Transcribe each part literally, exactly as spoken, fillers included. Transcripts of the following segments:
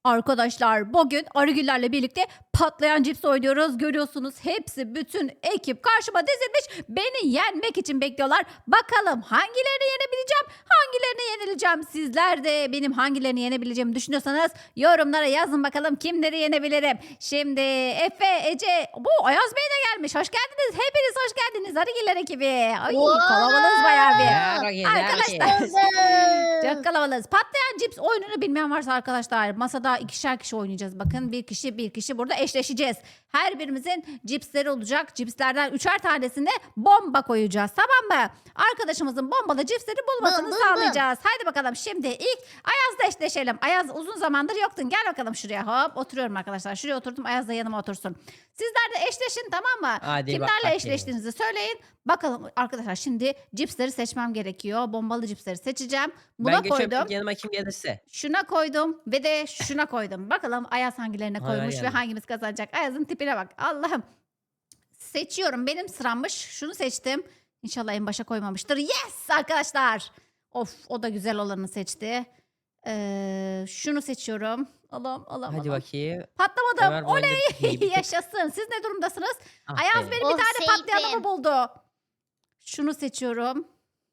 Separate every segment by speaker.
Speaker 1: Arkadaşlar bugün Arıgüllerle birlikte patlayan cips oynuyoruz. Görüyorsunuz hepsi bütün ekip karşıma dizilmiş. Beni yenmek için bekliyorlar. Bakalım hangilerini yenebileceğim, hangilerini yenileceğim. Sizler de benim hangilerini yenebileceğimi düşünüyorsanız yorumlara yazın bakalım kimleri yenebilirim. Şimdi Efe, Ece, bu Ayaz Bey de gelmiş. Hoş geldiniz. Hepiniz hoş geldiniz Arıgüller ekibi. Ay
Speaker 2: Wow!
Speaker 1: kalabalığız bayağı bir.
Speaker 3: Merhaba,
Speaker 1: Arkadaşlar.
Speaker 2: Buldum.
Speaker 1: Çok kalabalığız. Patlayan cips oyununu bilmeyen varsa arkadaşlar masada ikişer kişi oynayacağız. Bakın bir kişi bir kişi burada eşleşeceğiz. Her birimizin cipsleri olacak. Cipslerden üçer tanesine bomba koyacağız. Tamam mı? Arkadaşımızın bombalı cipsleri bulmasını
Speaker 2: Bum, bum,
Speaker 1: sağlayacağız. Haydi bakalım şimdi ilk Ayaz'la eşleşelim. Ayaz uzun zamandır yoktun. Gel bakalım şuraya. Hop oturuyorum arkadaşlar. Şuraya oturdum. Ayaz da yanıma otursun. Sizler de eşleşin tamam mı?
Speaker 3: Hadi
Speaker 1: Kimlerle
Speaker 3: bakayım.
Speaker 1: eşleştiğinizi söyleyin. Bakalım arkadaşlar şimdi cipsleri seçmem gerekiyor. Bombalı cipsleri seçeceğim. Buna
Speaker 3: Ben geçiyorum
Speaker 1: koydum.
Speaker 3: ilk yanıma kim gelirse.
Speaker 1: Şuna koydum ve de şuna koydum. Bakalım Ayaz hangilerine
Speaker 3: Hay hay
Speaker 1: koymuş ve
Speaker 3: yani.
Speaker 1: hangimiz kazanacak. Ayaz'ın tipine bak. Allah'ım. Seçiyorum. Benim sırammış. Şunu seçtim. İnşallah en başa koymamıştır. Yes arkadaşlar. Of o da güzel olanı seçti. Ee, şunu seçiyorum. Allah'ım Allah'ım
Speaker 3: Hadi
Speaker 1: Allah'ım.
Speaker 3: bakayım.
Speaker 1: Patlamadım.
Speaker 3: Ömer bu
Speaker 1: Oley.
Speaker 3: bende iyi bir tık.
Speaker 1: Yaşasın. Siz ne durumdasınız?
Speaker 3: Ah
Speaker 1: Ayaz
Speaker 3: be.
Speaker 1: benim
Speaker 2: Oh,
Speaker 1: bir tane patlayanımı
Speaker 2: seyfim.
Speaker 1: buldu. Şunu seçiyorum.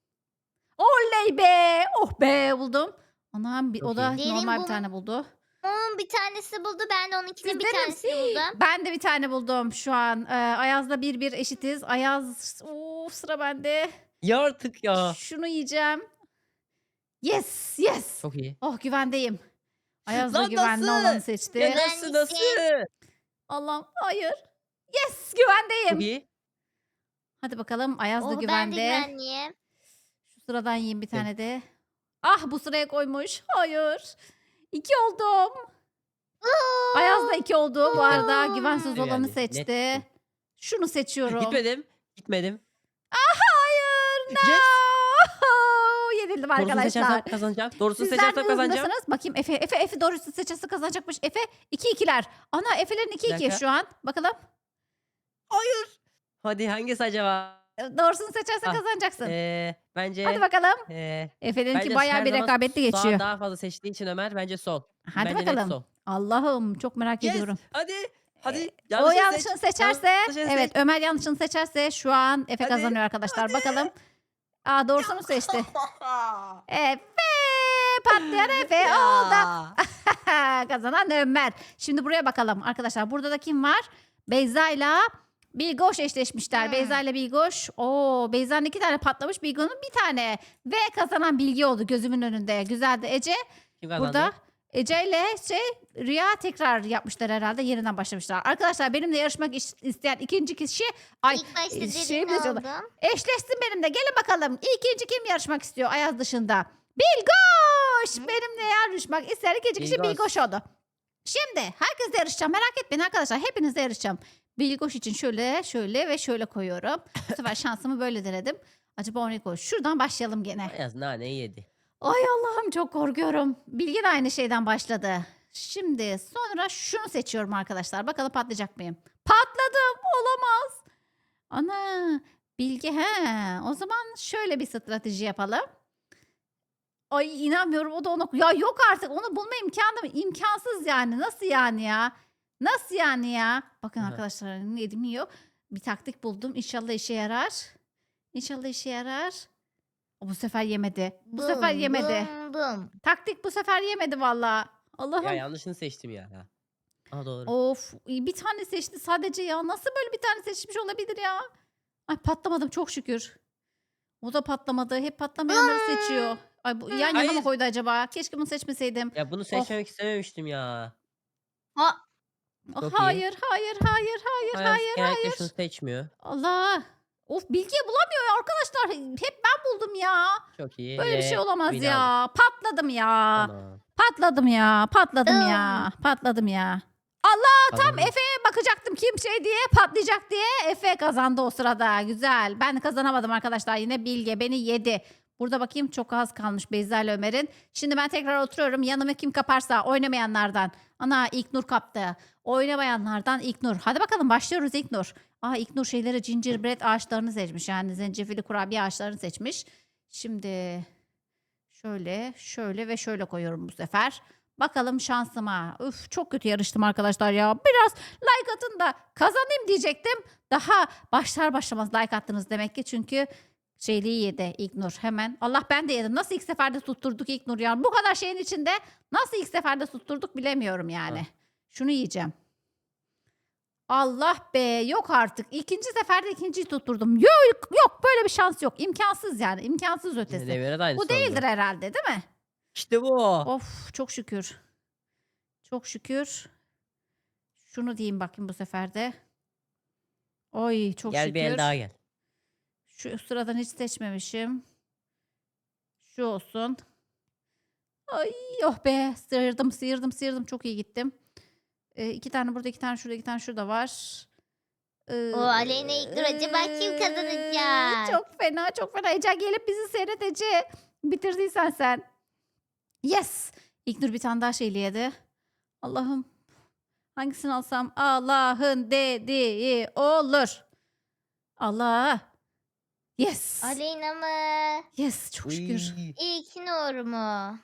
Speaker 1: Oley be. Oh be buldum. Anam bir,
Speaker 3: Çok
Speaker 1: o da
Speaker 3: iyi.
Speaker 1: normal
Speaker 2: Derin
Speaker 1: bir
Speaker 2: bu-
Speaker 1: tane buldu.
Speaker 2: Onun bir tanesi buldu. Ben de onunkinin bir
Speaker 1: Sizde mi?
Speaker 2: tanesini buldum.
Speaker 1: Ben de bir tane buldum şu an. Ee, Ayaz'la bir bir eşitiz. Ayaz of, sıra bende.
Speaker 3: Ya artık ya.
Speaker 1: Şunu yiyeceğim. Yes yes.
Speaker 3: Çok iyi.
Speaker 1: Oh güvendeyim. Ayaz da
Speaker 3: Lan
Speaker 1: güvenli
Speaker 3: nasıl?
Speaker 1: olanı seçti.
Speaker 3: Ya
Speaker 2: Ben
Speaker 3: nasıl
Speaker 2: ise-
Speaker 3: nasıl?
Speaker 1: Allah'ım hayır. Yes
Speaker 3: Çok
Speaker 1: güvendeyim.
Speaker 3: iyi.
Speaker 1: Hadi bakalım Ayaz da
Speaker 2: Oh, ben de
Speaker 1: güvende.
Speaker 2: güvenliyim.
Speaker 1: Şu sıradan yiyeyim bir
Speaker 3: Evet.
Speaker 1: tane de. Ah bu sıraya koymuş. Hayır. İki oldum. Ayaz da iki oldu. Bu arada güvensiz
Speaker 3: Oo.
Speaker 1: olanı
Speaker 3: Yani,
Speaker 1: seçti.
Speaker 3: nettim.
Speaker 1: Şunu seçiyorum.
Speaker 3: Gitmedim. Gitmedim.
Speaker 1: Hayır. No.
Speaker 3: Yes.
Speaker 1: Yenildim
Speaker 3: Doğrusunu
Speaker 1: arkadaşlar.
Speaker 3: seçersem kazanacağım. Doğrusunu
Speaker 1: Sizler
Speaker 3: seçersem
Speaker 1: ne
Speaker 3: kazanacağım.
Speaker 1: hızındasınız? Bakayım Efe. Efe Efe doğrusu seçerse kazanacakmış. Efe iki ikiler. Ana Efe'lerin iki
Speaker 3: Bir
Speaker 1: iki
Speaker 3: dakika.
Speaker 1: şu an. Bakalım.
Speaker 3: Hayır. Hadi hangisi acaba?
Speaker 1: E, Doğrusunu seçersen
Speaker 3: Ah,
Speaker 1: kazanacaksın.
Speaker 3: Ee, bence...
Speaker 1: Hadi bakalım.
Speaker 3: ee,
Speaker 1: Efe'ninki
Speaker 3: bence
Speaker 1: bayağı
Speaker 3: her
Speaker 1: bir
Speaker 3: zaman
Speaker 1: rekabetli
Speaker 3: sağa
Speaker 1: geçiyor.
Speaker 3: daha fazla seçtiği için Ömer bence sol.
Speaker 1: Hadi
Speaker 3: Bence net
Speaker 1: bakalım.
Speaker 3: sol.
Speaker 1: Allah'ım çok merak
Speaker 3: Yes.
Speaker 1: ediyorum.
Speaker 3: Hadi. Hadi.
Speaker 1: o
Speaker 3: Yanlışını
Speaker 1: yanlışını
Speaker 3: seç.
Speaker 1: seçerse
Speaker 3: Yanlışını
Speaker 1: evet
Speaker 3: seç.
Speaker 1: Ömer yanlışını seçerse şu an Efe
Speaker 3: Hadi,
Speaker 1: kazanıyor arkadaşlar.
Speaker 3: hadi.
Speaker 1: Bakalım. Aa doğrusunu seçti. Efe patlayan Efe oldu.
Speaker 3: Ya.
Speaker 1: Kazanan Ömer. Şimdi buraya bakalım arkadaşlar. Burada da kim var? Beyza ile Bilgoş eşleşmişler.
Speaker 2: Hmm.
Speaker 1: Beyza ile Bilgoş. Oo, Beyza'nın iki tane patlamış. Bilgo'nun bir tane. Ve kazanan Bilgi oldu gözümün önünde. Güzeldi. Ece
Speaker 3: Kim kazandı?
Speaker 1: burada. Ece ile şey Rüya tekrar yapmışlar herhalde. Yeniden başlamışlar. Arkadaşlar benimle yarışmak iş- isteyen ikinci kişi ay
Speaker 2: İlk başta
Speaker 1: e, şey
Speaker 2: derin
Speaker 1: mi diyorlar?
Speaker 2: oldum.
Speaker 1: eşleşsin benimle. Gelin bakalım. İkinci kim yarışmak istiyor Ayaz dışında? Bilgoş. Benimle yarışmak isteyen ikinci kişi
Speaker 3: Bilgoş.
Speaker 1: Bilgoş oldu. Şimdi herkesle yarışacağım. Merak etmeyin arkadaşlar. Hepinizle yarışacağım. Bilgoş için şöyle, şöyle ve şöyle koyuyorum. Bu sefer şansımı böyle denedim. Acaba o ne koy? Şuradan başlayalım gene.
Speaker 3: Ayaz naneyi yedi.
Speaker 1: Ay Allah'ım çok korkuyorum. Bilgi de aynı şeyden başladı. Şimdi sonra şunu seçiyorum arkadaşlar. Bakalım patlayacak mıyım? Patladım. Olamaz. Ana. Bilgi he. O zaman şöyle bir strateji yapalım. Ay inanmıyorum o da onu. Ya yok artık onu bulma imkanı imkansız yani. Nasıl yani ya? Nasıl yani ya? Bakın
Speaker 3: Aha.
Speaker 1: arkadaşlar yedim yiyor. Bir taktik buldum. İnşallah işe yarar. İnşallah işe yarar. O bu sefer yemedi. Bu sefer
Speaker 2: Bum,
Speaker 1: yemedi.
Speaker 2: Bum, bum.
Speaker 1: Taktik bu sefer yemedi valla. Allah'ım.
Speaker 3: Ya yanlışını seçtim ya. Aa doğru.
Speaker 1: Of bir tane seçti sadece ya. Nasıl böyle bir tane seçmiş olabilir ya? Ay patlamadım çok şükür. O da patlamadı. Hep patlamayanları seçiyor. Ay bu yan yana mı
Speaker 3: Hayır.
Speaker 1: koydu acaba? Keşke bunu seçmeseydim.
Speaker 3: Ya bunu seçmemek istememiştim ya.
Speaker 2: Ha,
Speaker 1: Oh,
Speaker 3: Çok iyi.
Speaker 1: hayır, hayır, hayır, hayır,
Speaker 3: Ayaz
Speaker 1: hayır,
Speaker 3: genellikle
Speaker 1: hayır.
Speaker 3: şunu seçmiyor.
Speaker 1: Allah. Of bilgi bulamıyor ya arkadaşlar. Hep ben buldum ya.
Speaker 3: Çok iyi.
Speaker 1: Böyle bir
Speaker 3: ve
Speaker 1: şey olamaz
Speaker 3: win
Speaker 1: ya.
Speaker 3: aldık.
Speaker 1: Patladım ya.
Speaker 3: Tamam.
Speaker 1: Patladım ya. Patladım ya. Patladım ya. Allah tam
Speaker 3: Kazandım.
Speaker 1: Efe'ye bakacaktım kim şey diye patlayacak diye. Efe kazandı o sırada. Güzel. Ben kazanamadım arkadaşlar. Yine Bilge beni yedi. Burada bakayım çok az kalmış Beyza ile Ömer'in. Şimdi ben tekrar oturuyorum. Yanıma kim kaparsa oynamayanlardan. Ana İlknur kaptı. Oynamayanlardan İlknur. Hadi bakalım başlıyoruz İlknur. Aa İlknur şeyleri gingerbread ağaçlarını seçmiş. Yani zencefilli kurabiye ağaçlarını seçmiş. Şimdi şöyle şöyle ve şöyle koyuyorum bu sefer. Bakalım şansıma. Üf, çok kötü yarıştım arkadaşlar ya. Biraz like atın da kazanayım diyecektim. Daha başlar başlamaz like attınız demek ki. Çünkü şeyliği yedi İlknur hemen. Allah ben de yedim. Nasıl ilk seferde tutturduk İlknur ya? Bu kadar şeyin içinde nasıl ilk seferde tutturduk bilemiyorum yani.
Speaker 3: Ha.
Speaker 1: Şunu yiyeceğim. Allah be yok artık. İkinci seferde ikinciyi tutturdum. Yok yok böyle bir şans yok. İmkansız yani. İmkansız ötesi.
Speaker 3: Devre de aynısı
Speaker 1: Bu değildir
Speaker 3: oldu.
Speaker 1: herhalde değil mi?
Speaker 3: İşte bu.
Speaker 1: Of çok şükür. Çok şükür. Şunu diyeyim bakayım bu sefer de. Oy çok
Speaker 3: Gel
Speaker 1: şükür.
Speaker 3: bir el daha gel.
Speaker 1: Şu sıradan hiç seçmemişim. Şu olsun. Ay oh be sıyırdım sıyırdım sıyırdım çok iyi gittim. Ee, iki tane burada iki tane şurada iki tane şurada var. Ee,
Speaker 2: O Aleyna İlknur acaba kim kazanacak?
Speaker 1: Çok fena çok fena. Ece gelip bizi seyret Ece. Bitirdiysen sen. Yes. İlknur bir tane daha şeyli yedi. Allah'ım. Hangisini alsam? Allah'ın dediği olur. Allah. Yes.
Speaker 2: Aleyna mı?
Speaker 1: Yes çok şükür.
Speaker 3: Uy.
Speaker 2: İlknur mu?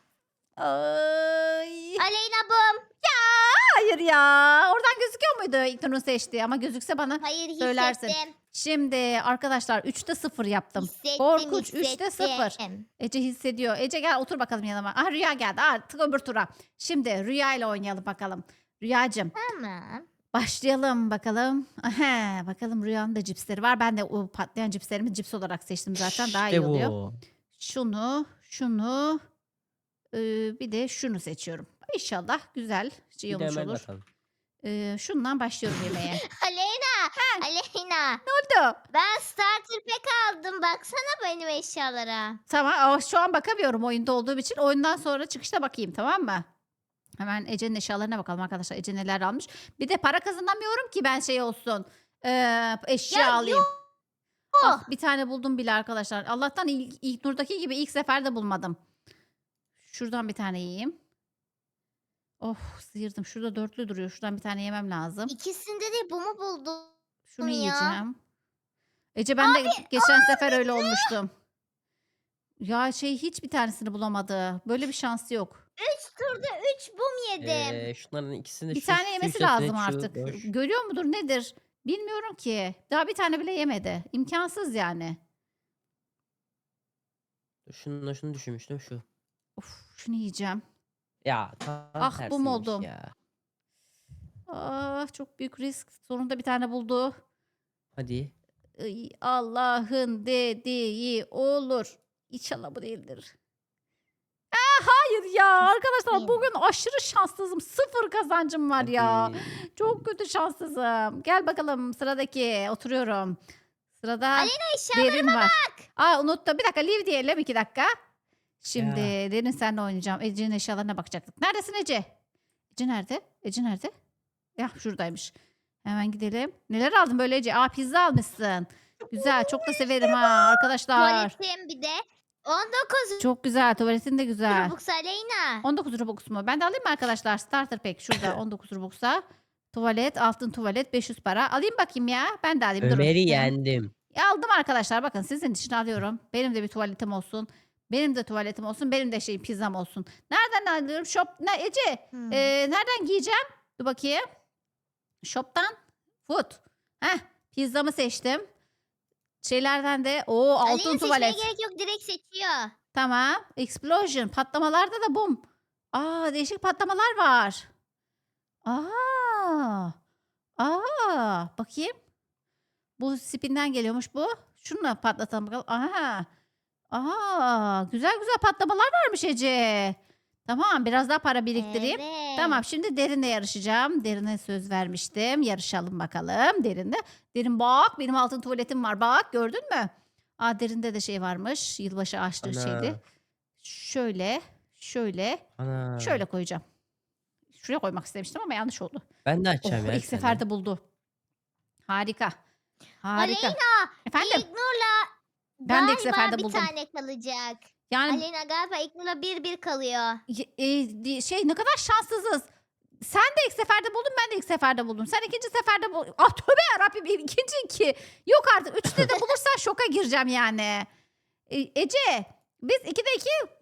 Speaker 1: Ay.
Speaker 2: Aleyna bum.
Speaker 1: Hayır ya. Oradan gözüküyor muydu İlknur'un seçtiği? Ama gözükse bana
Speaker 2: Hayır
Speaker 1: söylersin.
Speaker 2: hissettim.
Speaker 1: Şimdi arkadaşlar üçte sıfır yaptım.
Speaker 2: Hissettim,
Speaker 1: Korkunç üçte sıfır.
Speaker 2: hissettim.
Speaker 1: Ece hissediyor. Ece gel otur bakalım yanıma. Ah Rüya geldi. Artık öbür tura. Şimdi Rüya ile oynayalım bakalım. Rüyacığım
Speaker 2: Tamam.
Speaker 1: başlayalım bakalım. Aha, bakalım Rüya'nın da cipsleri var. Ben de o patlayan cipslerimi cips olarak seçtim zaten. Daha iyi
Speaker 3: İşte
Speaker 1: oluyor.
Speaker 3: bu.
Speaker 1: Şunu, şunu, e, bir de şunu seçiyorum. İnşallah güzel şey
Speaker 3: Bir de
Speaker 1: olmuş
Speaker 3: hemen
Speaker 1: olur.
Speaker 3: bakalım.
Speaker 1: E, şundan başlıyorum yemeğe.
Speaker 2: Aleyna. Aleyna.
Speaker 1: Ne oldu?
Speaker 2: Ben starter pack aldım. Baksana benim eşyalara.
Speaker 1: Tamam ama şu an bakamıyorum oyunda olduğum için. Oyundan sonra çıkışta bakayım tamam mı? Hemen Ece'nin eşyalarına bakalım arkadaşlar. Ece neler almış. Bir de para kazanamıyorum ki ben şey olsun. Ee, eşya
Speaker 2: Ya
Speaker 1: alayım.
Speaker 2: yok.
Speaker 1: Ah, bir tane buldum bile arkadaşlar. Allah'tan ilk, ilk Nur'daki gibi ilk seferde bulmadım. Şuradan bir tane yiyeyim. Oh sıyırdım. Şurada dörtlü duruyor. Şuradan bir tane yemem lazım.
Speaker 2: İkisinde de bu mu buldun?
Speaker 1: Şunu
Speaker 2: ya.
Speaker 1: yiyeceğim. Ece ben de geçen sefer öyle olmuştum. Ya şey hiç bir tanesini bulamadı. Böyle bir şansı yok.
Speaker 2: Üç turda üç bum yedim.
Speaker 3: Ee, şunların ikisini
Speaker 1: Bir
Speaker 3: şu
Speaker 1: tane yemesi
Speaker 3: köşesine,
Speaker 1: lazım
Speaker 3: şu
Speaker 1: artık.
Speaker 3: boş.
Speaker 1: Görüyor mudur nedir? Bilmiyorum ki. Daha bir tane bile yemedi. İmkansız yani.
Speaker 3: Şunu, şunu düşünmüştüm şu.
Speaker 1: Of şunu yiyeceğim.
Speaker 3: Ya tam
Speaker 1: Ah, bu
Speaker 3: tersiymiş
Speaker 1: mu oldum?
Speaker 3: ya.
Speaker 1: Ah çok büyük risk. Sonunda bir tane buldu.
Speaker 3: Hadi.
Speaker 1: Ay, Allah'ın dediği olur. İnşallah bu değildir. Ah, hayır ya arkadaşlar
Speaker 2: Yine.
Speaker 1: bugün aşırı şanssızım. Sıfır kazancım var ya.
Speaker 3: Hadi.
Speaker 1: Çok kötü şanssızım. Gel bakalım sıradaki oturuyorum. Sırada
Speaker 2: Eşyalara
Speaker 1: Derin var. Aa unuttum. Bir dakika leave diyelim iki dakika. Şimdi Derin senle oynayacağım. Ece'nin eşyalarına bakacaktık. Neredesin Ece? Ece nerede? Ece nerede? Ya şuradaymış. Hemen gidelim. Neler aldın böyle Ece? Aa pizza almışsın. Güzel. Çok da severim ha arkadaşlar.
Speaker 2: tuvaletim bir de on dokuz
Speaker 1: Çok güzel. Tuvaletin de güzel.
Speaker 2: Robux Aleyna.
Speaker 1: on dokuz Robux mu? Ben de alayım mı arkadaşlar? Starter pack şurada on dokuz Robux'a. Tuvalet, altın tuvalet beş yüz para. Alayım bakayım ya. Ben de alayım. Durun.
Speaker 3: Ömer'i
Speaker 1: Benim-
Speaker 3: yendim.
Speaker 1: Ya aldım arkadaşlar. Bakın sizin için alıyorum. Benim de bir tuvaletim olsun. Benim de tuvaletim olsun. Benim de şeyim pizzam olsun. Nereden alıyorum? Shop. Ne Ece?
Speaker 2: Hmm.
Speaker 1: Ee, nereden giyeceğim? Dur bakayım. Shop'tan. Food. Heh. Pizzamı seçtim. Şeylerden de o altın
Speaker 2: Aleyna seçmeye
Speaker 1: tuvalet.
Speaker 2: gerek yok, direkt seçiyor.
Speaker 1: Tamam. Explosion. Patlamalarda da bum. Aa değişik patlamalar var. Aa. Aa. Bakayım. Bu spinden geliyormuş bu. Şunu patlatalım bakalım. Aha. Aa, güzel güzel patlamalar varmış Ece. Tamam biraz daha para biriktireyim.
Speaker 2: Evet.
Speaker 1: Tamam şimdi Derin'le yarışacağım. Derin'e söz vermiştim. Yarışalım bakalım Derin'le. Derin bak benim altın tuvaletim var. Bak gördün mü? Aa Derin'de de şey varmış. Yılbaşı açtığı
Speaker 3: Ana.
Speaker 1: şeydi. Şöyle, şöyle,
Speaker 3: Ana.
Speaker 1: şöyle koyacağım. Şuraya koymak istemiştim ama yanlış oldu.
Speaker 3: Ben de
Speaker 1: Oh,
Speaker 3: açacağım ya.
Speaker 1: ilk
Speaker 3: bir tane.
Speaker 1: seferde buldu. Harika. Harika.
Speaker 2: Aleyna
Speaker 1: Efendim?
Speaker 2: İlknur'la
Speaker 1: Ben de ilk
Speaker 2: galiba
Speaker 1: seferde
Speaker 2: bir
Speaker 1: buldum.
Speaker 2: tane kalacak.
Speaker 1: Yani
Speaker 2: Aleyna galiba İlknur'la bir bir kalıyor.
Speaker 1: y- e, di- şey ne kadar şanssızız. Sen de ilk seferde buldun ben de ilk seferde buldum. Sen ikinci seferde buldun. Ah tövbe yarabbim ikinci iki. Yok artık üçte de bulursan şoka gireceğim yani. E, Ece biz ikide iki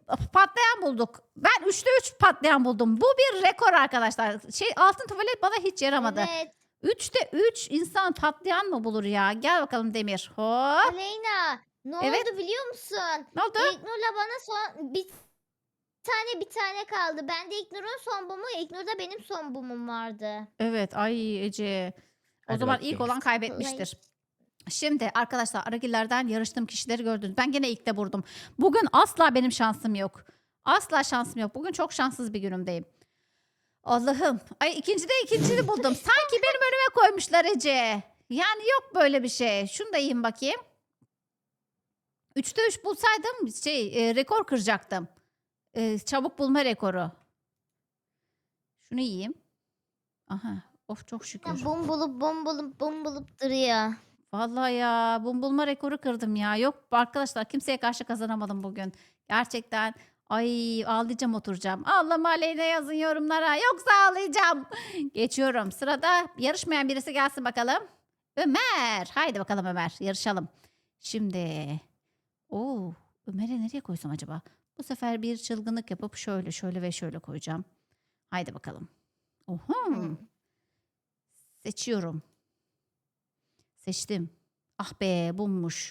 Speaker 1: patlayan bulduk. Ben üçte üç patlayan buldum. Bu bir rekor arkadaşlar. Şey altın tuvalet bana hiç yaramadı.
Speaker 2: Evet.
Speaker 1: Üçte üç insan patlayan mı bulur ya? Gel bakalım Demir. Hop.
Speaker 2: Aleyna ne
Speaker 1: Evet.
Speaker 2: oldu biliyor musun?
Speaker 1: Ne oldu?
Speaker 2: İlknur'la bana son bir tane bir tane kaldı. Bende İlknur'un son bumu, İlknur'da benim son bumum vardı.
Speaker 1: Evet ay Ece. O
Speaker 3: Hadi
Speaker 1: zaman
Speaker 3: bakayım.
Speaker 1: ilk olan kaybetmiştir. Şimdi arkadaşlar Aragiller'den yarıştığım kişileri gördünüz. Ben gene ilkte vurdum. Bugün asla benim şansım yok. Asla şansım yok. Bugün çok şanssız bir günümdeyim. Allah'ım. Ay ikincide ikincini buldum. Sanki benim önüme koymuşlar Ece. Yani yok böyle bir şey. Şunu da yiyeyim bakayım. Üçte üç bulsaydım şey e, rekor kıracaktım. E, çabuk bulma rekoru. Şunu yiyeyim. Aha. Of çok şükür.
Speaker 2: Bum bulup bum bulup bum bulup duruyor.
Speaker 1: Vallahi ya bum bulma rekoru kırdım ya. Yok arkadaşlar kimseye karşı kazanamadım bugün. Gerçekten ay ağlayacağım oturacağım. Allah'ım aleyhine yazın yorumlara. Yoksa ağlayacağım. Geçiyorum. Sırada yarışmayan birisi gelsin bakalım. Ömer. Haydi bakalım Ömer yarışalım. Şimdi. Oo, Ömer'e nereye koysam acaba? Bu sefer bir çılgınlık yapıp şöyle şöyle ve şöyle koyacağım. Haydi bakalım. Oho.
Speaker 2: Hmm.
Speaker 1: Seçiyorum. Seçtim. Ah be bummuş.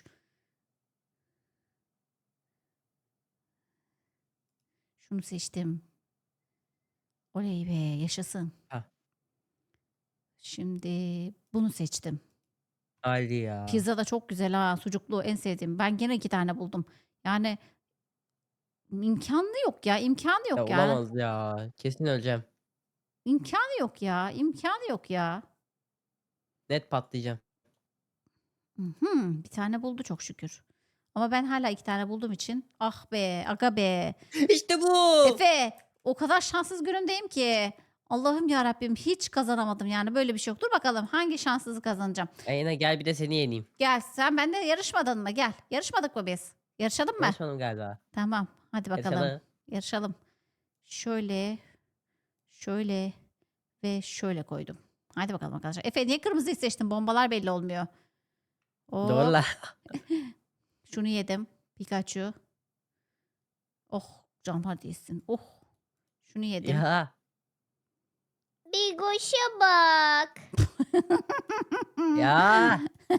Speaker 1: Şunu seçtim. Oley be yaşasın.
Speaker 3: Hah.
Speaker 1: Şimdi bunu seçtim.
Speaker 3: Hadi ya.
Speaker 1: Pizza da çok güzel ha. Sucuklu en sevdiğim. Ben gene iki tane buldum. Yani imkanı yok ya. İmkanı
Speaker 3: Ya
Speaker 1: yok ya.
Speaker 3: olamaz ya. Kesin öleceğim.
Speaker 1: İmkanı yok ya. İmkanı yok ya.
Speaker 3: Net patlayacağım.
Speaker 1: Mhm, bir tane buldu çok şükür. Ama ben hala iki tane bulduğum için ah be aga be.
Speaker 3: İşte bu.
Speaker 1: Efe o kadar şanssız günümdeyim ki. Allah'ım ya Rabbim hiç kazanamadım yani böyle bir şey yok. Dur bakalım hangi şanssızı kazanacağım.
Speaker 3: Ayna gel bir de seni yeneyim.
Speaker 1: Gel sen bende yarışmadın mı? Gel. Yarışmadık mı biz? Yarışalım mı?
Speaker 3: Yarışmadım galiba.
Speaker 1: Tamam. Hadi bakalım.
Speaker 3: Yarışalım.
Speaker 1: Yarışalım. Şöyle, şöyle ve şöyle koydum. Hadi bakalım arkadaşlar. Efe niye kırmızıyı seçtin? Bombalar belli olmuyor. Oo,
Speaker 3: Doğru la.
Speaker 1: şunu yedim. Pikachu. Oh canlar değilsin. Oh. Şunu yedim.
Speaker 3: Ya.
Speaker 2: Bir goşa bak.
Speaker 3: Ya.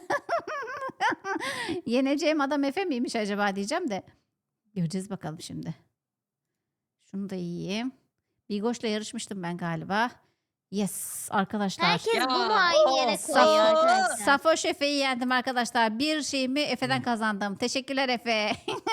Speaker 1: Yeneceğim adam Efe miymiş acaba diyeceğim de. Göreceğiz bakalım şimdi. Şunu da yiyeyim. Bigoş'la yarışmıştım ben galiba. Yes arkadaşlar.
Speaker 2: Herkes
Speaker 3: Ya,
Speaker 2: bunu aynı yere
Speaker 3: of,
Speaker 2: koyuyor
Speaker 3: of.
Speaker 2: arkadaşlar.
Speaker 1: Safoş Efe'yi yendim arkadaşlar. Bir şeyimi Efe'den kazandım. Teşekkürler Efe.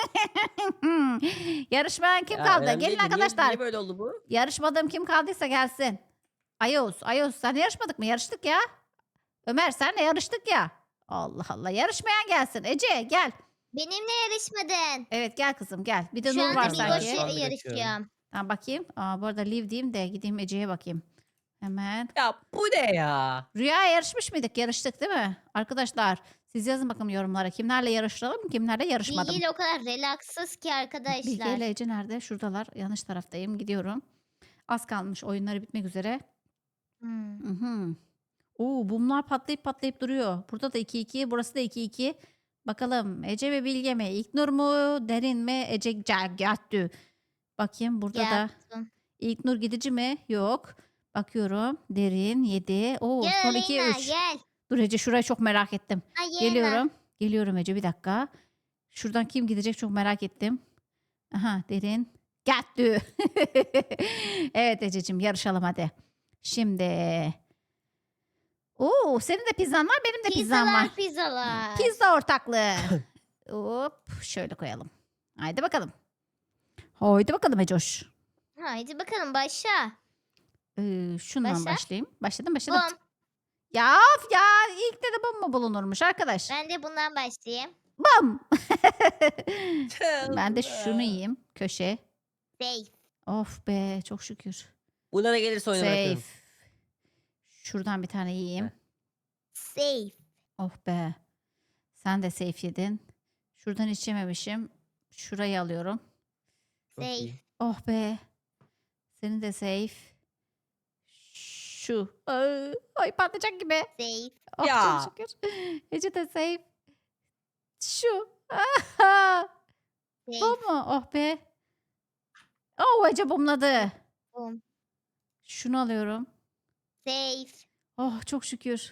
Speaker 1: Yarışmayan kim
Speaker 3: Ya,
Speaker 1: kaldı?
Speaker 3: önemli
Speaker 1: Gelin
Speaker 3: değil de niye-
Speaker 1: arkadaşlar.
Speaker 3: Niye böyle oldu bu?
Speaker 1: Yarışmadığım kim kaldıysa gelsin. Ayos, Ayos sen yarışmadık mı? Yarıştık ya. Ömer senle yarıştık ya. Allah Allah. Yarışmayan gelsin. Ece gel.
Speaker 2: Benimle yarışmadın.
Speaker 1: Evet gel kızım gel. Bir de
Speaker 2: Şu
Speaker 1: Nur
Speaker 2: anda
Speaker 1: var
Speaker 2: bir
Speaker 1: sanki.
Speaker 3: Şu anda
Speaker 2: goşa yarışıyorum.
Speaker 1: Ha, bakayım. Aa, bu arada leave diyeyim de gideyim Ece'ye bakayım. Hemen.
Speaker 3: Ya bu ne ya?
Speaker 1: Rüya yarışmış mıydık? Yarıştık değil mi? Arkadaşlar siz yazın bakalım yorumlara. Kimlerle yarışalım kimlerle yarışmadım.
Speaker 2: Bilgi ile o kadar relaksız ki
Speaker 1: Bilge
Speaker 2: arkadaşlar.
Speaker 1: ile Ece nerede? Şuradalar. Yanlış taraftayım. Gidiyorum. Az kalmış. Oyunları bitmek üzere.
Speaker 2: Hmm.
Speaker 1: Mhm. Oo, bumlar patlayıp patlayıp duruyor. Burada da iki iki. Burası da iki iki. Bakalım Ece ve Bilge mi? İlknur mu? Derin mi? Ece Gattü. Bakayım burada da.
Speaker 2: Yaptım.
Speaker 1: İlknur gidici mi? Yok. Bakıyorum. Derin yedi. Oo,
Speaker 2: Gel
Speaker 1: son iki
Speaker 2: Aleyna
Speaker 1: üç.
Speaker 2: gel.
Speaker 1: Dur Ece şurayı çok merak ettim.
Speaker 2: Aleyna.
Speaker 1: Geliyorum. Geliyorum Ece bir dakika. Şuradan kim gidecek çok merak ettim. Aha Derin. Gattü. Evet Ececiğim yarışalım hadi. Şimdi. Oo, senin de pizzan var benim de pizzam var.
Speaker 2: Pizzalar pizzalar.
Speaker 1: Pizza ortaklığı. Hop şöyle koyalım. Haydi bakalım. Haydi bakalım Ecoş.
Speaker 2: Haydi bakalım başla.
Speaker 1: Ee, şundan
Speaker 2: Başla.
Speaker 1: başlayayım. Başladım başladım.
Speaker 2: Bum.
Speaker 1: Ya of ya ilk de de bum mu bulunurmuş arkadaş?
Speaker 2: Ben de bundan başlayayım.
Speaker 1: Bum. Ben de şunu yiyeyim. Köşe.
Speaker 2: Safe.
Speaker 1: Of be çok şükür.
Speaker 3: Buna ne gelirse oyunu
Speaker 1: Safe.
Speaker 3: bırakırım.
Speaker 1: Şuradan bir tane yiyeyim.
Speaker 3: Heh.
Speaker 2: Safe.
Speaker 1: Oh be. Sen de safe yedin. Şuradan hiç yememişim. Şurayı alıyorum.
Speaker 3: Çok
Speaker 2: Safe.
Speaker 3: iyi.
Speaker 1: Oh be. Senin de safe. Şu. Ay, ay patlayacak gibi.
Speaker 2: Safe.
Speaker 1: Oh
Speaker 3: Ya.
Speaker 1: çok şükür. Ece de safe. Şu. Aha. Bu
Speaker 2: Safe.
Speaker 1: mu? Oh be. Oo Ece bumladı.
Speaker 2: Bum.
Speaker 1: Şunu alıyorum.
Speaker 2: Safe.
Speaker 1: Oh çok şükür.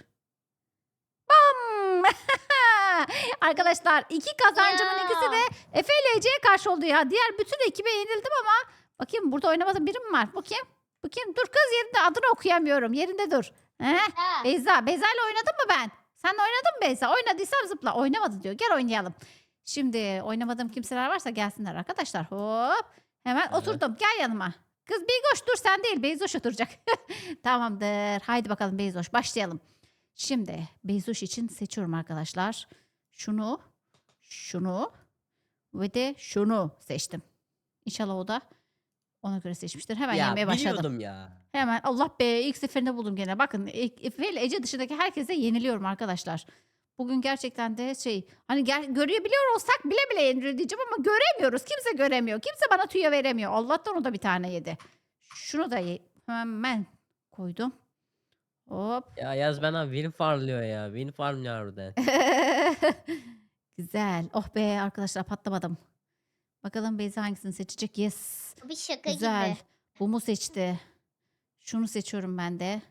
Speaker 1: Bam! Arkadaşlar iki kazancımın
Speaker 2: Ya.
Speaker 1: ikisi de Efe ile Ece'ye karşı oldu ya. Diğer bütün ekibe yenildim ama bakayım burada oynamadığım biri mi var? Bakayım. Bakayım dur kız yerinde adını okuyamıyorum. Yerinde dur. He?
Speaker 2: Ha.
Speaker 1: Beyza. Beyza ile oynadım mı ben? Sen oynadın mı Beyza? Oynadıysam zıpla. Oynamadı diyor. Gel oynayalım. Şimdi oynamadığım kimseler varsa gelsinler arkadaşlar. Hop. Hemen
Speaker 3: Hı.
Speaker 1: oturdum. Gel yanıma. Kız Beyzoş dur sen değil. Beyzoş oturacak. Tamamdır. Haydi bakalım Beyzoş başlayalım. Şimdi Beyzoş için seçiyorum arkadaşlar. Şunu, şunu ve de şunu seçtim. İnşallah o da ona göre seçmiştir. Hemen
Speaker 3: Ya
Speaker 1: yemeye başladım.
Speaker 3: biliyordum ya.
Speaker 1: Hemen Allah be ilk seferinde buldum gene. Bakın e- Efe ile Ece dışındaki herkese yeniliyorum arkadaşlar. Bugün gerçekten de şey hani gel, görebiliyor olsak bile bile yeniliyor diyeceğim ama göremiyoruz. Kimse göremiyor. Kimse bana tüyo veremiyor. Allah'tan o da bir tane yedi. Şunu da ye- hemen koydum. Hop.
Speaker 3: Ya Yaz bana win farmlıyor ya. Win farmlıyor harbiden.
Speaker 1: Güzel. Oh be arkadaşlar patlamadım. Bakalım Beyza hangisini seçecek? Yes.
Speaker 2: Bu bir şaka
Speaker 1: Güzel.
Speaker 2: gibi.
Speaker 1: Bumu seçti. Şunu seçiyorum ben de.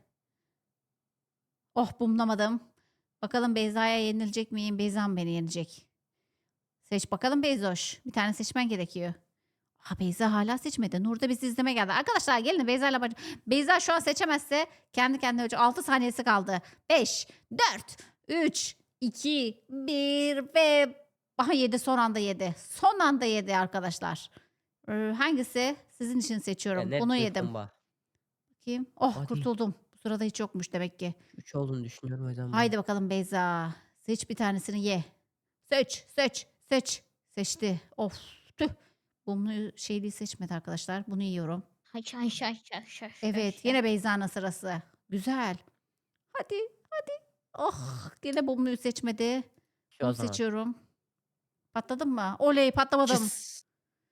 Speaker 1: Oh bumlamadım. Bakalım Beyza'ya yenilecek miyim? Beyza mı beni yenecek? Seç bakalım Beyzoş. Bir tane seçmen gerekiyor. Ha Beyza hala seçmedi. Nur da bizi izleme geldi. Arkadaşlar gelin Beyza ile baş- Beyza şu an seçemezse kendi kendine ölecek. altı saniyesi kaldı. beş, dört, üç, iki, bir ve aha yedi son anda yedi. Son anda yedi arkadaşlar. Ee, hangisi? Sizin için
Speaker 3: Ya
Speaker 1: seçiyorum.
Speaker 3: net
Speaker 1: Bunu
Speaker 3: bir
Speaker 1: yedim.
Speaker 3: bomba.
Speaker 1: Bakayım. Oh
Speaker 3: Hadi.
Speaker 1: kurtuldum. Bu sırada hiç yokmuş demek ki.
Speaker 3: üç olduğunu düşünüyorum o yüzden. ben.
Speaker 1: Haydi bakalım Beyza. Seç bir tanesini ye. Seç, seç, seç. Seçti. Of, tüh. Bunu şeyliği seçmedi arkadaşlar. Bunu yiyorum.
Speaker 2: Haş haş haş haş haş.
Speaker 1: Evet,
Speaker 2: haş.
Speaker 1: yine Beyza'nın sırası. Güzel. Hadi, hadi. Oh, yine Bumlu'yu seçmedi.
Speaker 3: Şu o
Speaker 1: Bunu
Speaker 3: zaman.
Speaker 1: seçiyorum. Patladın mı? Oley, patlamadım.
Speaker 3: Cıs.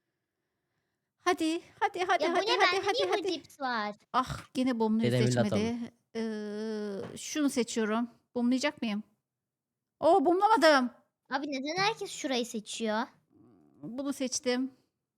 Speaker 1: Hadi, hadi, hadi,
Speaker 2: Ya bu
Speaker 1: hadi,
Speaker 2: ne
Speaker 1: hadi,
Speaker 2: bende
Speaker 1: hadi,
Speaker 2: niye bu
Speaker 1: hadi.
Speaker 2: cips var?
Speaker 1: Ah, yine Bumlu'yu
Speaker 3: Dedemin
Speaker 1: seçmedi. Ee, şunu seçiyorum. Bumlayacak mıyım? Oo, bumlamadım.
Speaker 2: Abi neden herkes şurayı seçiyor?
Speaker 1: Bunu seçtim.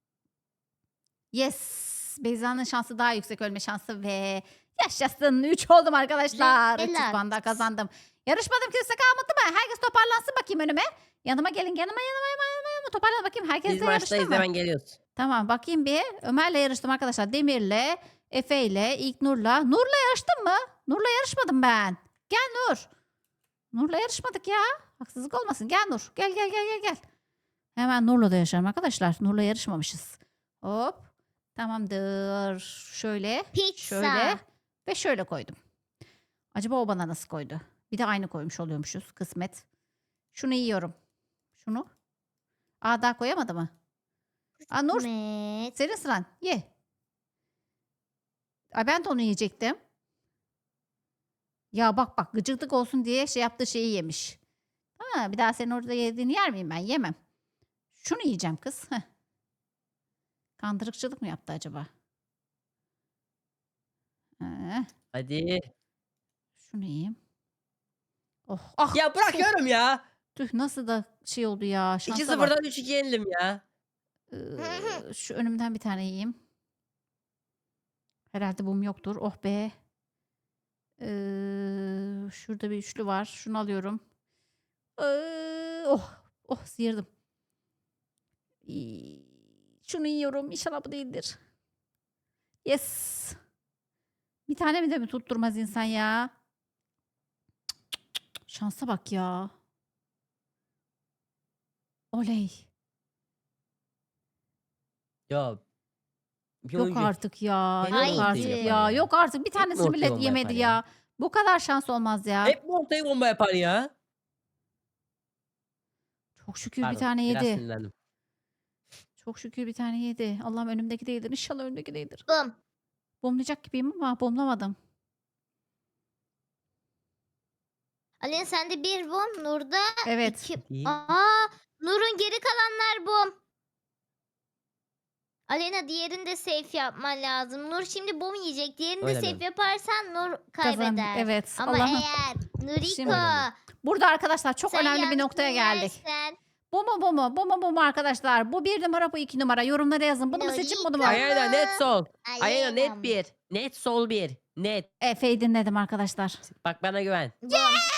Speaker 1: Yes. Beyza'nın şansı daha yüksek ölme şansı ve yaşasın. üç oldum arkadaşlar. üç yüz
Speaker 2: Relax.
Speaker 1: puan daha kazandım. Yarışmadım kimse kalmadı mı? Herkes toparlansın bakayım önüme. Yanıma gelin yanıma yanıma yanıma yanıma. Toparlan bakayım. Herkes
Speaker 3: Biz
Speaker 1: de yarıştı
Speaker 3: maçtayız
Speaker 1: mı?
Speaker 3: hemen geliyoruz.
Speaker 1: Tamam bakayım bir. Ömer'le yarıştım arkadaşlar. Demir'le, Efe'yle, İlknur'la. Nur'la yarıştım mı? Nur'la yarışmadım ben. Gel Nur. Nur'la yarışmadık ya. Haksızlık olmasın. Gel Nur. Gel gel gel gel gel. Hemen Nur'la da yarışalım arkadaşlar. Nur'la yarışmamışız. Hop. Tamamdır. Şöyle.
Speaker 2: Pizza.
Speaker 1: Şöyle. Ve şöyle koydum. Acaba o bana nasıl koydu? Bir de aynı koymuş oluyormuşuz. Kısmet. Şunu yiyorum. Şunu. Aa daha koyamadı mı? Aa Nur.
Speaker 2: Kısmet.
Speaker 1: Senin sıran. Ye. Ay ben de onu yiyecektim. Ya bak bak gıcıklık olsun diye şey yaptığı şeyi yemiş. Ha, bir daha senin orada yediğini yer miyim ben? Yemem. Şunu yiyeceğim kız. Heh. Kandırıkçılık mı yaptı acaba? Ee,
Speaker 3: Hadi.
Speaker 1: şunu yiyeyim. Oh, ah,
Speaker 3: Ya bırakıyorum ya.
Speaker 1: tüh nasıl da şey oldu ya.
Speaker 3: iki
Speaker 1: Şansa bak.
Speaker 3: sıfırdan üç iki yenildim ya.
Speaker 1: Ee, şu önümden bir tane yiyeyim. Herhalde bum yoktur. Oh be. Ee, şurada bir üçlü var. Şunu alıyorum. Ee, oh, oh sıyırdım. İyi, şunu yiyorum. İnşallah bu değildir. Yes. Bir tane mi de mi tutturmaz insan ya? Şansa bak ya. Oley.
Speaker 3: Ya. Bir
Speaker 1: Yok
Speaker 3: oyuncu-
Speaker 1: artık ya.
Speaker 3: Hep
Speaker 1: Yok
Speaker 2: ortayı
Speaker 1: artık
Speaker 2: yapar
Speaker 1: ya.
Speaker 3: ya.
Speaker 1: Yok artık. Bir tanesini
Speaker 3: ortaya
Speaker 1: millet
Speaker 3: bomba
Speaker 1: yemedi
Speaker 3: yapar
Speaker 1: ya.
Speaker 3: ya.
Speaker 1: Bu kadar şans olmaz ya.
Speaker 3: Hep mi ortaya bomba yapar ya?
Speaker 1: Çok şükür
Speaker 3: Pardon,
Speaker 1: bir tane
Speaker 3: biraz
Speaker 1: yedi.
Speaker 3: sinirlendim.
Speaker 1: Çok şükür bir tane yedi. Allah'ım önümdeki değildir. İnşallah önümdeki değildir.
Speaker 2: Bum.
Speaker 1: Bomlayacak gibiyim ama bomlamadım.
Speaker 2: Alena sende bir bum. Nur'da
Speaker 1: Evet.
Speaker 2: iki.
Speaker 3: Değil.
Speaker 2: Aa, Nur'un geri kalanlar bum. Alena diğerini de safe yapman lazım. Nur şimdi bum yiyecek. Diğerini de
Speaker 3: Öyle
Speaker 2: safe
Speaker 3: mi?
Speaker 2: yaparsan Nur
Speaker 1: Kazan-
Speaker 2: kaybeder.
Speaker 1: Evet.
Speaker 2: Ama
Speaker 1: Allah'ım.
Speaker 2: eğer Nuriko
Speaker 1: Şimdi- Burada arkadaşlar çok
Speaker 2: sen
Speaker 1: önemli bir
Speaker 2: yanlış
Speaker 1: noktaya geldik.
Speaker 2: yersen
Speaker 1: Bu mu bu mu? Bu mu bu mu arkadaşlar? Bu bir numara, bu iki numara. Yorumlara yazın. Bunu mu seçin, bunu mu?
Speaker 2: Lolita.
Speaker 3: Ayağına net sol. Ayağına
Speaker 2: Aleyna
Speaker 3: net
Speaker 2: mı?
Speaker 3: bir. Net sol bir. Net.
Speaker 1: Efe'yi dinledim arkadaşlar.
Speaker 3: Bak bana güven.
Speaker 2: Bom.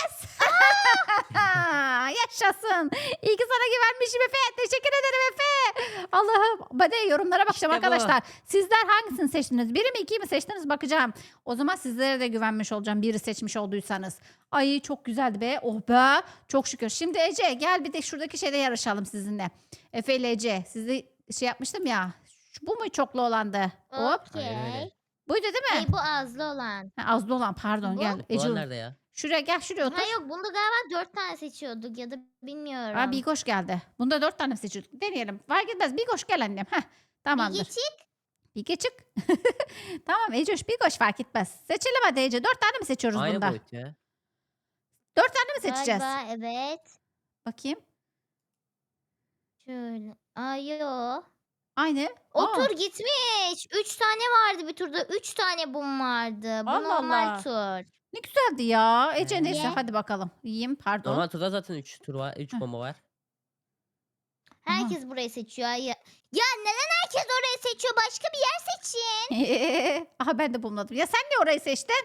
Speaker 1: Yaşasın. İyi ki sana güvenmişim Efe. Teşekkür ederim Efe. Allah'ım. Hadi yorumlara bakacağım
Speaker 3: İşte bu.
Speaker 1: arkadaşlar. Sizler hangisini seçtiniz? Biri mi ikiyi mi seçtiniz bakacağım. O zaman sizlere de güvenmiş olacağım. Biri seçmiş olduysanız. Ay çok güzeldi be. Oh be. Çok şükür. Şimdi Ece gel bir de şuradaki şeyde yarışalım sizinle. Efe ile Ece. Sizi şey yapmıştım ya. Şu- Bu mu çoklu olandı? Hop.
Speaker 3: Aynen öyle.
Speaker 2: Okey.
Speaker 1: Buydu değil mi?
Speaker 2: Hey, bu azlı olan.
Speaker 1: Ha, azlı olan pardon
Speaker 2: Bu?
Speaker 1: gel. Ece
Speaker 3: Ulan nerede ya?
Speaker 1: şuraya gel şuraya otur.
Speaker 2: Ha yok bunda galiba dört tane seçiyorduk ya da bilmiyorum.
Speaker 1: Aa, Bigoş geldi. Bunda dört tane seçiyorduk. Deneyelim. Fark etmez. Bigoş gel annem. Heh, tamamdır.
Speaker 2: Bilgi çık.
Speaker 1: Bilge çık. Tamam Ecoş Bigoş fark etmez. Seçelim hadi Ece. Dört tane mi seçiyoruz
Speaker 3: Aynı
Speaker 1: bunda?
Speaker 3: boyut ya.
Speaker 1: Dört tane mi seçeceğiz?
Speaker 2: Galiba evet.
Speaker 1: Bakayım.
Speaker 2: Şöyle. Ay yo.
Speaker 1: Aynı.
Speaker 2: O
Speaker 1: Aa,
Speaker 2: tur gitmiş. Üç tane vardı bir turda. Üç tane bum vardı. Bu
Speaker 1: Allah
Speaker 2: normal
Speaker 1: Allah.
Speaker 2: tur.
Speaker 1: ne güzeldi ya. Ece
Speaker 3: Ee?
Speaker 1: neyse
Speaker 2: Ye.
Speaker 1: hadi bakalım. Yiyeyim pardon.
Speaker 3: Normal turda zaten üç tur var. üç
Speaker 1: Heh.
Speaker 3: bomba var.
Speaker 2: Herkes burayı seçiyor. Ya, ya neden herkes orayı seçiyor? Başka bir yer seçin.
Speaker 1: Aha ben de bulmadım. Ya sen niye orayı seçtin?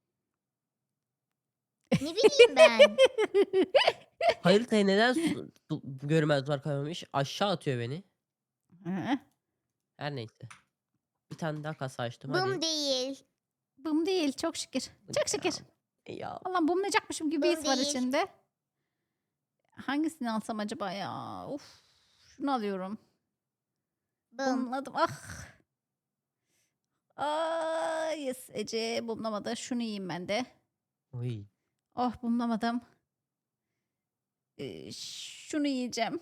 Speaker 2: Ne bileyim ben.
Speaker 3: Haritaya neden su- du- görmez duvar koymamış? Aşağı atıyor beni.
Speaker 1: Hı,
Speaker 3: Her neyse. Bir tane daha kasa açtım.
Speaker 2: Bum
Speaker 3: Hadi.
Speaker 2: değil.
Speaker 1: Bum değil çok şükür. Çok şükür.
Speaker 3: Ya.
Speaker 1: Allah'ım bumlayacakmışım gibi bir his
Speaker 2: Bum
Speaker 1: var
Speaker 2: değil.
Speaker 1: içinde. Hangisini alsam acaba ya? Uf. Şunu alıyorum.
Speaker 2: Bum.
Speaker 1: Bumladım. Ah. Aa, yes Ece bumlamadı. Şunu yiyeyim ben de.
Speaker 3: Oy.
Speaker 1: Oh bumlamadım. Ee, şunu yiyeceğim.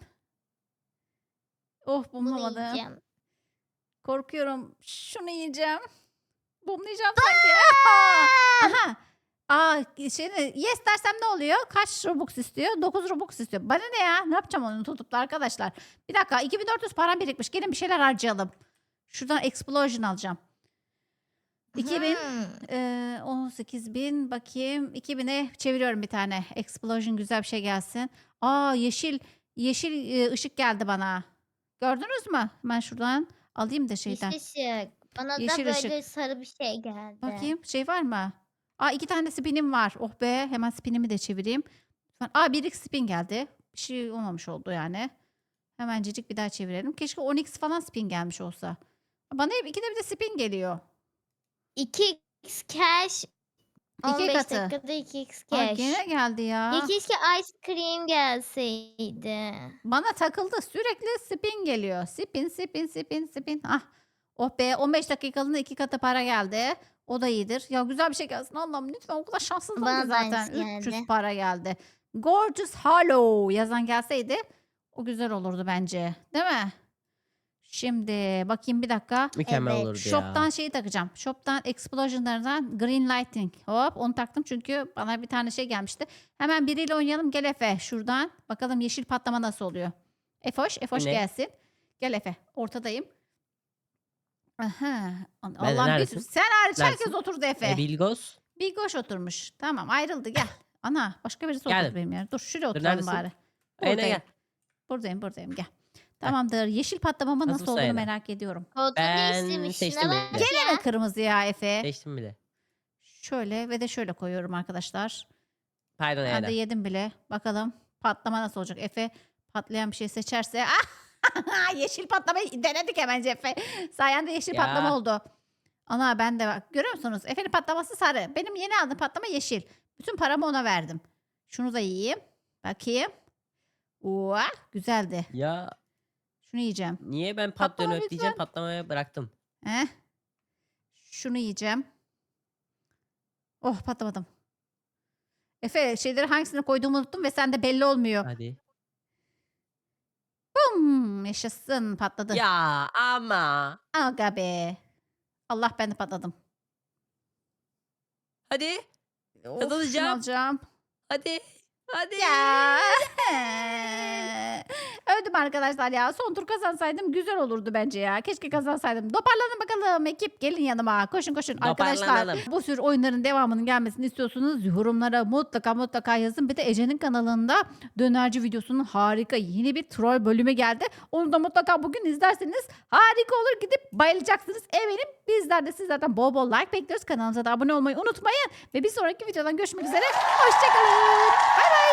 Speaker 1: Oh
Speaker 2: Bunu
Speaker 1: bumlamadım.
Speaker 2: yiyeceğim.
Speaker 1: Korkuyorum. Şunu yiyeceğim. Bumlayacağım sanki. Aha. Aa, şimdi yes dersem ne oluyor? Kaç Robux istiyor? dokuz Robux istiyor. Bana ne ya? Ne yapacağım onu tutup da arkadaşlar? Bir dakika. iki bin dört yüz param birikmiş. Gelin bir şeyler harcayalım. Şuradan Explosion alacağım. iki bin.
Speaker 2: Hmm.
Speaker 1: Ee, on sekiz bin bakayım. iki bine çeviriyorum bir tane. Explosion güzel bir şey gelsin. Aa yeşil yeşil e, ışık geldi bana. Gördünüz mü? Ben şuradan alayım da şeyden.
Speaker 2: Yeşil ışık. Bana
Speaker 1: Yeşil
Speaker 2: da
Speaker 1: ışık.
Speaker 2: böyle sarı bir şey geldi.
Speaker 1: Bakayım şey var mı? Aa iki tane spinim var. Oh be hemen spinimi de çevireyim. Aa bir x spin geldi. Bir şey olmamış oldu yani. Hemencecik bir daha çevirelim. Keşke on x falan spin gelmiş olsa. Bana hep ikide bir de spin geliyor.
Speaker 2: iki x cash. on
Speaker 1: İki
Speaker 2: beş
Speaker 1: katı.
Speaker 2: dakikada iki x
Speaker 1: Aa,
Speaker 2: cash.
Speaker 1: gene geldi ya.
Speaker 2: Ya keşke ice cream gelseydi.
Speaker 1: Bana takıldı. Sürekli spin geliyor. Spin, spin, spin, spin. Ah. Oh be on beş dakikalığına iki katı para geldi. O da iyidir. Ya güzel bir şey gelsin. Allah'ım lütfen o kadar şanssızım
Speaker 2: Bana
Speaker 1: ki
Speaker 2: da
Speaker 1: zaten.
Speaker 2: aynısı
Speaker 1: üç yüz
Speaker 2: geldi.
Speaker 1: para geldi. Gorgeous Hollow yazan gelseydi o güzel olurdu bence. Değil mi? Şimdi bakayım bir dakika.
Speaker 3: Mükemmel
Speaker 2: Evet,
Speaker 3: olurdu ya.
Speaker 1: Shop'tan şeyi takacağım. Shop'tan Explosion'lardan Green Lighting. Hop onu taktım çünkü bana bir tane şey gelmişti. Hemen biriyle oynayalım. Gel Efe şuradan. Bakalım yeşil patlama nasıl oluyor. Efoş, Efoş
Speaker 3: Ne?
Speaker 1: gelsin. Gel Efe. Ortadayım. Aha.
Speaker 3: Ben
Speaker 1: Allah bir
Speaker 3: neredesin?
Speaker 1: sen hariç herkes
Speaker 3: Neredesin?
Speaker 1: oturdu Efe.
Speaker 3: E, Bilgos.
Speaker 1: Bir goş oturmuş. Tamam ayrıldı gel. Ana başka birisi
Speaker 3: Geldim.
Speaker 1: oturdu benim yerime. Dur şuraya
Speaker 3: Dur,
Speaker 1: oturalım
Speaker 3: neredesin?
Speaker 1: bari.
Speaker 3: Aynen
Speaker 1: Buradayım.
Speaker 3: gel.
Speaker 1: Buradayım buradayım gel. Tamamdır. Yeşil patlamama
Speaker 3: Nasıl
Speaker 1: nasıl
Speaker 3: bu
Speaker 1: olduğunu
Speaker 3: sayede?
Speaker 1: merak ediyorum.
Speaker 2: Koltuğu
Speaker 3: Ben
Speaker 2: değiştirmiş.
Speaker 3: seçtim
Speaker 2: Şuna
Speaker 3: bile.
Speaker 2: bak
Speaker 1: Gene
Speaker 2: ya.
Speaker 1: mi kırmızı ya Efe?
Speaker 3: Seçtim bile.
Speaker 1: Şöyle ve de şöyle koyuyorum arkadaşlar.
Speaker 3: Pardon
Speaker 1: Ben de
Speaker 3: Eda.
Speaker 1: yedim bile. Bakalım patlama nasıl olacak? Efe patlayan bir şey seçerse. Ah! Yeşil patlamayı denedik hemen Efe. Sayende yeşil
Speaker 3: Ya.
Speaker 1: patlama oldu. Ana ben de bak. Görüyor musunuz? Efe'nin patlaması sarı. Benim yeni aldığım patlama yeşil. Bütün paramı ona verdim. Şunu da yiyeyim. Bakayım. Oha, güzeldi.
Speaker 3: Ya
Speaker 1: Şunu yiyeceğim.
Speaker 3: niye ben
Speaker 1: Patlama
Speaker 3: patlıyorum
Speaker 1: lütfen.
Speaker 3: ötleyeceğim patlamaya bıraktım.
Speaker 1: Heh. Şunu yiyeceğim. Oh patlamadım. Efe şeyleri hangisini koyduğumu unuttum ve sende belli olmuyor.
Speaker 3: Hadi.
Speaker 1: Bum, yaşasın patladı.
Speaker 3: Ya ama.
Speaker 1: Aga be. Allah ben de patladım.
Speaker 3: Hadi.
Speaker 1: Of, şunu
Speaker 3: Kazanacağım.
Speaker 1: alacağım.
Speaker 3: Hadi. Hadi.
Speaker 1: Ya. Üzüldüm arkadaşlar ya. Son tur kazansaydım güzel olurdu bence ya. Keşke kazansaydım. Toparlanın bakalım ekip. Gelin yanıma. Koşun koşun. Arkadaşlar
Speaker 3: Toparlanalım.
Speaker 1: bu tür oyunların devamının gelmesini istiyorsunuz. Yorumlara mutlaka mutlaka yazın. Bir de Ece'nin kanalında dönerci videosunun harika yeni bir troll bölümü geldi. Onu da mutlaka bugün izlerseniz harika olur. Gidip bayılacaksınız eminim. Bizler de sizlerden bol bol like bekliyoruz. Kanalımıza da abone olmayı unutmayın. Ve bir sonraki videodan görüşmek üzere. Hoşçakalın. Bay bay.